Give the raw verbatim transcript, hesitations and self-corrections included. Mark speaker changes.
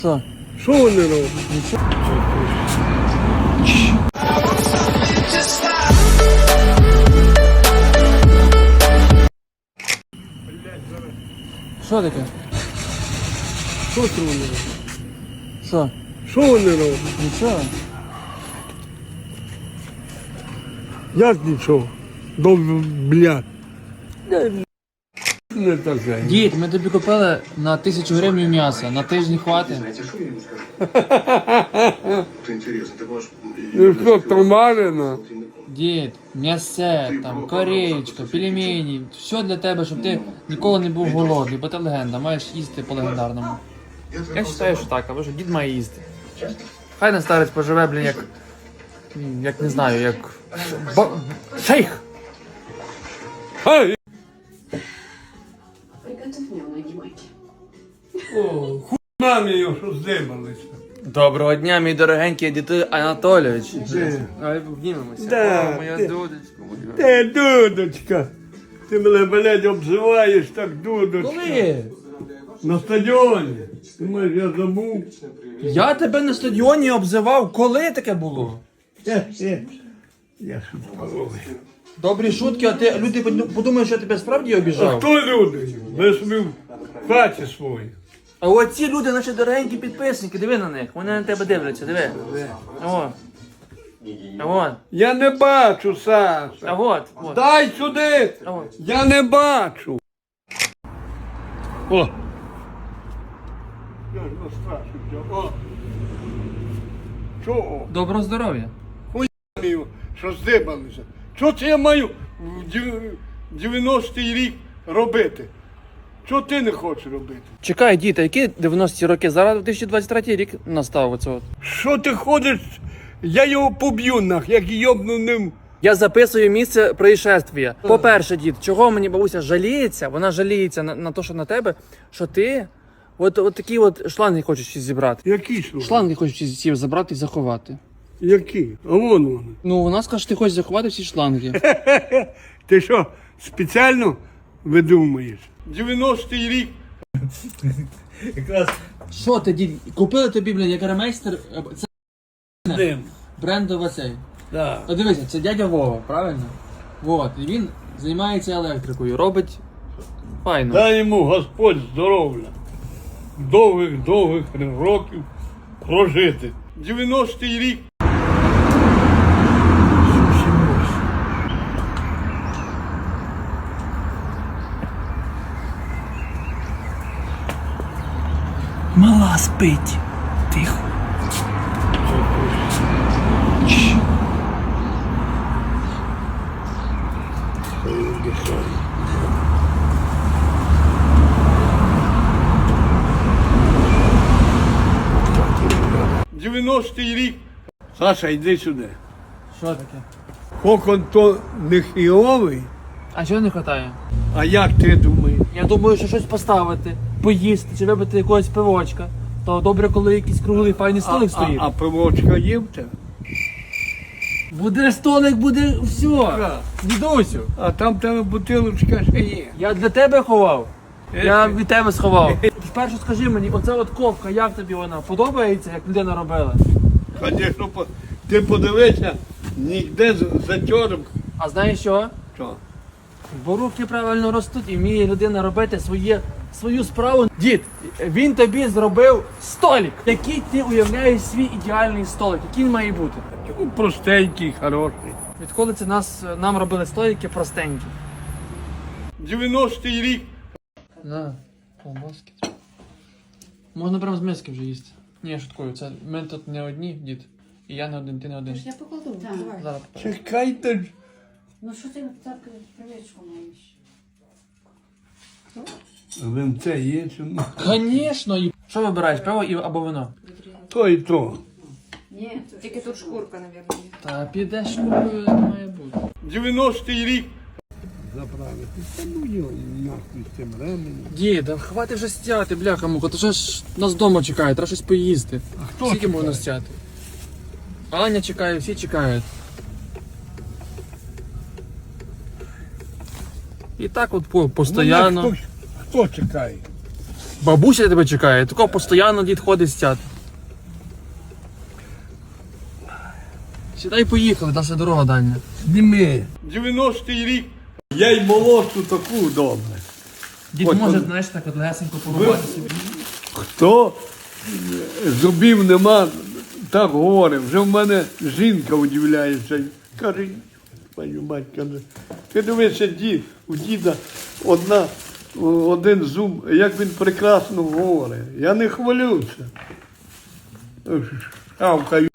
Speaker 1: Що?
Speaker 2: Що вони роблять?
Speaker 1: Що таке?
Speaker 2: Що це вони роблять?
Speaker 1: Що?
Speaker 2: Що вони роблять?
Speaker 1: Нічого.
Speaker 2: Як нічого? До блядь. Не таке.
Speaker 1: Дід, ми тобі купили на тисячу гривень м'яса. На тиждень хватить.
Speaker 3: Знаете, что я ему скажу? Это интересно, ты можешь...
Speaker 2: Ну що, томарина?
Speaker 1: Дід, м'ясе, там, корейчка, пельмені. Все для тебе, щоб ти ніколи не був голодний, бо ти легенда, маєш їсти по легендарному. Я вважаю, що так, або що дід має їсти. Хай не старець поживе, блін, як... Як не знаю, як... Ба... Шейх!
Speaker 2: Ай!
Speaker 4: Приготовь мне ноги, Майки.
Speaker 2: О, хуй мамі його, що здибалися.
Speaker 1: Доброго дня, мій дорогенький діти Анатолійович.
Speaker 2: Де?
Speaker 1: Ай, обнімемося.
Speaker 2: Да,
Speaker 1: О, моя
Speaker 2: ти-
Speaker 1: дудочка моя.
Speaker 2: Ти, дудочка, ти мене, блядь, обзиваєш так, дудочка.
Speaker 1: Коли?
Speaker 2: На стадіоні. Ти маєш, я забув.
Speaker 1: Я тебе на стадіоні обзивав. Коли таке було?
Speaker 2: Е, е. Я шутковий.
Speaker 1: Добрі шутки, а ти люди подумають, що я тебе справді
Speaker 2: А
Speaker 1: обіжав.
Speaker 2: хто люди? Ви собі в хаті свої.
Speaker 1: А оці люди, наші дорогенькі підписники, диви на них. Вони на тебе дивляться, диви. О. А от.
Speaker 2: Я не бачу, Саша.
Speaker 1: А от. от.
Speaker 2: Дай сюди!
Speaker 1: А от.
Speaker 2: Я не бачу. О! Я ж настрашився. О! Чого?
Speaker 1: Доброго здоров'я.
Speaker 2: Мію, що здибалися. Що це я маю в дев- дев'яностий рік робити? Що ти не хочеш робити?
Speaker 1: Чекай, діти, які дев'яності роки? Зараз дві тисячі двадцять третій рік настав оце от.
Speaker 2: Що ти ходиш? Я його поб'ю нах, як йобну ним.
Speaker 1: Я записую місце происшествия. По-перше, дід, чого мені бабуся жаліється? Вона жаліється на, на те, що на тебе, що ти от, от такі от шланги хочеш всі зібрати.
Speaker 2: Які ж вони?
Speaker 1: Шланги хочеш всі- всі забрати і заховати.
Speaker 2: Які? А вон вони.
Speaker 1: Ну, вона скаже, що ти хочеш заховати всі шланги.
Speaker 2: Ти що, спеціально видумуєш? дев'яностий рік.
Speaker 1: Що ти, дід, купили тобі, блін, як ремейстер, це
Speaker 2: Дим.
Speaker 1: брендова цей.
Speaker 2: Да.
Speaker 1: От дивися, це дядя Вова, правильно? Вот, і він займається електрикою, робить файно.
Speaker 2: Дай йому Господь здоров'я. Довгих-довгих років прожити. дев'яностий рік.
Speaker 1: Мала спить. Тихо.
Speaker 2: дев'яностий рік. Саша, йди сюди.
Speaker 1: Що таке?
Speaker 2: Кокон то не хіовий,
Speaker 1: А чого не вистачає?
Speaker 2: а як ти думаєш?
Speaker 1: Я думаю, що щось поставити, поїсти чи випити якогось пивочка. То добре, коли якийсь круглий файний столик
Speaker 2: а,
Speaker 1: стоїть.
Speaker 2: а пивочка є в тебе?
Speaker 1: Буде столик, буде все.
Speaker 2: Так.
Speaker 1: Дідусю,
Speaker 2: А там в тебе бутилочка ще є.
Speaker 1: я для тебе ховав.
Speaker 2: Е,
Speaker 1: Я
Speaker 2: ти.
Speaker 1: від тебе сховав. Спершу скажи мені, оця от ковка, як тобі вона? Подобається, як людина робила?
Speaker 2: Звісно, по- ти подивися, ніде з- затьором.
Speaker 1: А знаєш що?
Speaker 2: Що?
Speaker 1: Бо руки правильно ростуть і вміє людина робити своє, свою справу. Дід, він тобі зробив столик. Який ти уявляєш свій ідеальний столик? Який він має бути?
Speaker 2: Ну, простенький, хороший.
Speaker 1: Відколи це нас, нам робили столики простенькі?
Speaker 2: дев'яностий рік.
Speaker 1: На, колбаски. Можна прямо з миски вже їсти. Ні, я шуткую, це ми тут не одні, дід. І я не один, ти не один.
Speaker 4: Я покладу. Так.
Speaker 1: Зараз покажу.
Speaker 2: Чекайте ж.
Speaker 4: Ну що ти так привичку маєш?
Speaker 2: Винце є чи ні?
Speaker 1: Звісно, і... Що вибираєш, пиво і- або вино?
Speaker 2: То і то.
Speaker 4: Ні,
Speaker 5: Тільки тут шкурка, мабуть.
Speaker 1: Та підеш, купою не має бути.
Speaker 2: дев'яностий рік. Заправити. Та ну його нахуй з цим ременем.
Speaker 1: Дід, а хватить вже стяти, бляха муха, то вже ж нас вдома чекає, треба щось поїсти.
Speaker 2: А хто
Speaker 1: Скільки
Speaker 2: чекає?
Speaker 1: можна стяти? Аня чекає, всі чекають. І так от по,
Speaker 2: Мене
Speaker 1: постоянно.
Speaker 2: Хто, хто чекає?
Speaker 1: Бабуся тебе чекає, такого постійно дід ходить стяти. Сідай, поїхали, наша дорога дальня.
Speaker 2: Зніми. дев'яностий рік. Я й молодшу таку добре.
Speaker 1: Дід
Speaker 2: Ось
Speaker 1: може,
Speaker 2: он.
Speaker 1: знаєш, так от легесенько порубати собі.
Speaker 2: Хто зубів нема, так говорить. Вже в мене жінка удивляється. Каже, пані мать, каже, ти дивишся, дід, у діда одна, один зуб, як він прекрасно говорить. Я не хвалюся. Шавкаю.